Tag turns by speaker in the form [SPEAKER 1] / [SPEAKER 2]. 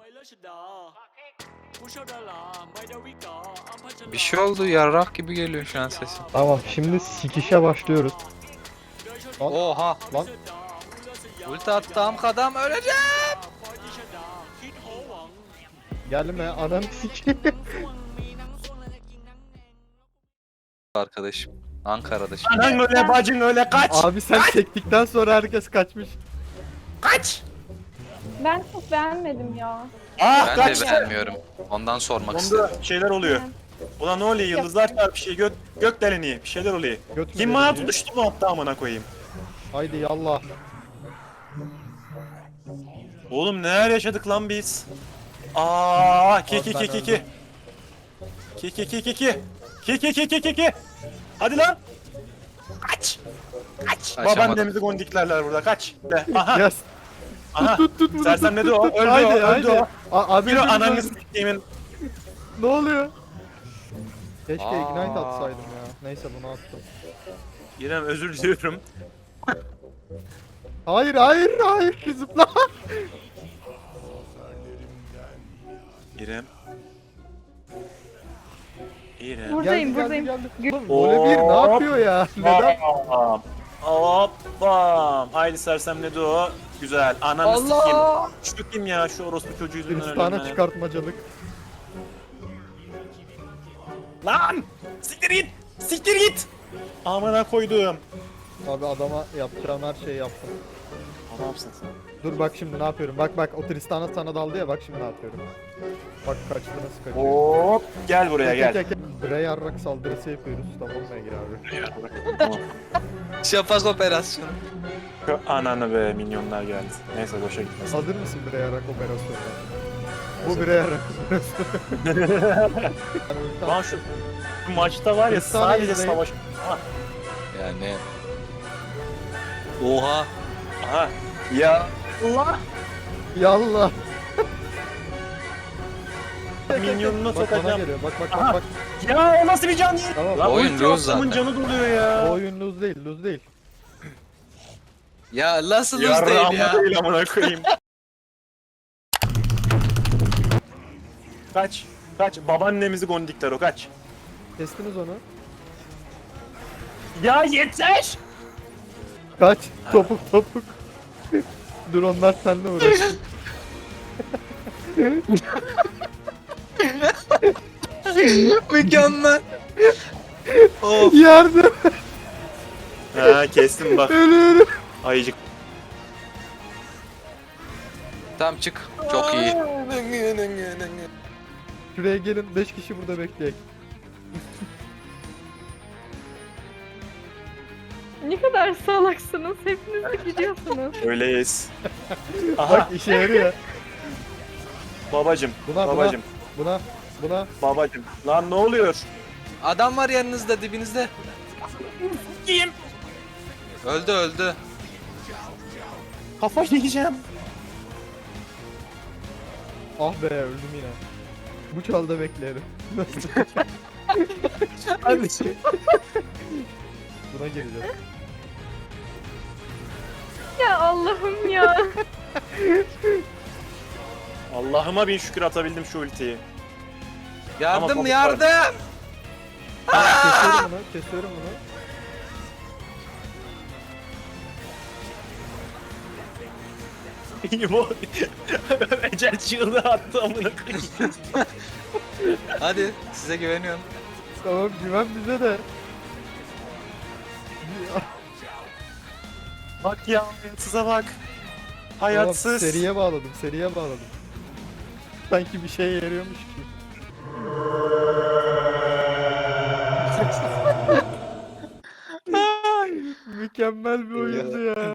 [SPEAKER 1] Bir şey oldu, yarrak gibi geliyor şu an sesim.
[SPEAKER 2] Tamam şimdi sikişe başlıyoruz. Lan,
[SPEAKER 1] Oha!
[SPEAKER 2] lan
[SPEAKER 1] Ulti attığım kadam öleceğim!
[SPEAKER 2] gelme ananı sikeyim.
[SPEAKER 1] Arkadaşım. Ankara'da şimdi.
[SPEAKER 3] Anan öyle bacın öyle kaç.
[SPEAKER 2] Abi sen çektikten sonra herkes kaçmış.
[SPEAKER 3] Kaç.
[SPEAKER 4] Ben çok beğenmedim ya.
[SPEAKER 3] Ah
[SPEAKER 1] Ben
[SPEAKER 3] kaç.
[SPEAKER 1] de beğenmiyorum. Ondan sormak istedim.
[SPEAKER 3] Onda şeyler oluyor. Ulan ne oluyor yıldızlar çarpı şey gök deleni bir şeyler oluyor.
[SPEAKER 2] Göt mü
[SPEAKER 3] Kim bana
[SPEAKER 2] deleniyor?
[SPEAKER 3] tutuştu mu hatta amına koyayım.
[SPEAKER 2] Haydi yallah.
[SPEAKER 3] Oğlum neler yaşadık lan biz. Aa ki
[SPEAKER 2] Abi
[SPEAKER 3] ki
[SPEAKER 2] ben
[SPEAKER 3] ki ki ki.
[SPEAKER 2] öldüm.
[SPEAKER 3] Ki ki ki ki ki. Ki ki ki ki ki ki. Hadi lan. Kaç. Kaç.
[SPEAKER 1] Kaçamadım.
[SPEAKER 3] Babaannemizi gondiklerler burada kaç. De. Aha.
[SPEAKER 2] Yes.
[SPEAKER 3] Aha.
[SPEAKER 2] Tut bunu.
[SPEAKER 3] Sersem ne de o? Öldü
[SPEAKER 2] Haydi
[SPEAKER 3] o. Öldü
[SPEAKER 2] haydi.
[SPEAKER 3] o.
[SPEAKER 2] Abi
[SPEAKER 3] Bir o
[SPEAKER 2] öldüm,
[SPEAKER 3] ananı
[SPEAKER 2] öldüm.
[SPEAKER 3] siktiğimin.
[SPEAKER 2] Ne oluyor? Keşke
[SPEAKER 1] Aa.
[SPEAKER 2] ignite atsaydım ya. Neyse bunu attım.
[SPEAKER 3] İrem özür diliyorum.
[SPEAKER 2] Hayır hayır hayır zıpla.
[SPEAKER 3] İrem. İrem.
[SPEAKER 4] Buradayım,
[SPEAKER 2] Geldi,
[SPEAKER 4] buradayım.
[SPEAKER 2] geldi, geldi. Oğlum vole bir ne yapıyor ya? Neden?
[SPEAKER 3] Bam. Hop bam. Haydi sersem ne de o? Güzel. Ananı sikeyim. Şu kim ya şu orospu çocuğu yüzünden
[SPEAKER 2] Kristana
[SPEAKER 3] öldüm
[SPEAKER 2] çıkartmacılık.
[SPEAKER 3] ben. Lan! Siktir git! Siktir git! Amına koydum.
[SPEAKER 2] Abi adama yapacağım her şeyi yaptım.
[SPEAKER 3] Ne yapsın sen?
[SPEAKER 2] Dur bak şimdi ne yapıyorum. Bak bak o Tristana sana daldı ya bak şimdi ne yapıyorum. Bak kaçtı nasıl kaçıyor.
[SPEAKER 3] Hop! Gel buraya gel.
[SPEAKER 2] Bre yarrak saldırısı yapıyoruz. Tamam mı Ege abi?
[SPEAKER 3] Tamam.
[SPEAKER 1] Şafak operasyonu.
[SPEAKER 3] Şu ananı be minyonlar geldi. Neyse boşa gitmesin.
[SPEAKER 2] Hazır mısın bre yarrak operasyonuna? Bu bre yarrak operasyonu.
[SPEAKER 3] Lan şu maçta var ya
[SPEAKER 2] Kristana
[SPEAKER 3] sadece
[SPEAKER 2] izleyin.
[SPEAKER 3] savaş.
[SPEAKER 1] Yani... Oha!
[SPEAKER 3] Aha. Ya Allah!
[SPEAKER 2] Yallah.
[SPEAKER 3] Minyonunu
[SPEAKER 2] Bak bana
[SPEAKER 3] sokacağım.
[SPEAKER 2] geliyor. Bak bak
[SPEAKER 3] Aha.
[SPEAKER 2] bak bak.
[SPEAKER 3] Ya o nasıl bir can değil?
[SPEAKER 2] Tamam.
[SPEAKER 3] Lan
[SPEAKER 1] Oyun
[SPEAKER 3] ulti
[SPEAKER 1] lose
[SPEAKER 3] attığımın
[SPEAKER 1] zaten.
[SPEAKER 3] canı doluyor
[SPEAKER 2] O
[SPEAKER 3] ya.
[SPEAKER 2] oyun lose değil, lose değil.
[SPEAKER 1] Ya nasıl lose
[SPEAKER 3] Yarrağımda
[SPEAKER 1] değil ya?
[SPEAKER 3] değil amına koyayım. Kaç. Kaç. Babaannemizi gondikler o kaç.
[SPEAKER 2] Kestiniz onu.
[SPEAKER 3] Ya yeter!
[SPEAKER 2] Kaç. Topuk topuk. Dur onlar seninle uğraşsın.
[SPEAKER 1] Mükemmel! Of!
[SPEAKER 2] Yardım.
[SPEAKER 3] Ha kestim bak.
[SPEAKER 2] Ölüyorum.
[SPEAKER 3] Ayıcık.
[SPEAKER 1] Tamam çık. Çok iyi.
[SPEAKER 2] Şuraya gelin 5 kişi burada bekleyek.
[SPEAKER 4] Ne kadar salaksınız. Hepiniz de gidiyorsunuz.
[SPEAKER 3] Öyleyiz. Aha
[SPEAKER 2] Bak işe yarıyor.
[SPEAKER 3] babacım.
[SPEAKER 2] Buna
[SPEAKER 3] Babacım.
[SPEAKER 2] buna.
[SPEAKER 3] Babacım. Lan ne oluyor?
[SPEAKER 1] Adam var yanınızda, dibinizde.
[SPEAKER 3] Kim?
[SPEAKER 1] Öldü öldü.
[SPEAKER 3] Kafa yiyeceğim.
[SPEAKER 2] Ah be öldüm yine. Bu çalda bekleyelim. Nasıl?
[SPEAKER 3] Hadi.
[SPEAKER 2] Buna gireceğiz.
[SPEAKER 4] Ya Allah'ım ya.
[SPEAKER 3] Allah'ıma bin şükür atabildim şu ultiyi.
[SPEAKER 1] Yardım
[SPEAKER 3] Tamam,
[SPEAKER 1] yardım!
[SPEAKER 2] Kesiyorum bunu, kesiyorum bunu.
[SPEAKER 3] Bu ecel çığlığı attı amına koyayım.
[SPEAKER 1] Hadi size güveniyorum.
[SPEAKER 2] Tamam güven bize de.
[SPEAKER 3] Bak ya hayatsıza bak.
[SPEAKER 2] Tamam,
[SPEAKER 3] Hayatsız.
[SPEAKER 2] seriye bağladım, seriye bağladım. Sanki bir şeye yarıyormuş gibi. Mükemmel bir oyundu ya.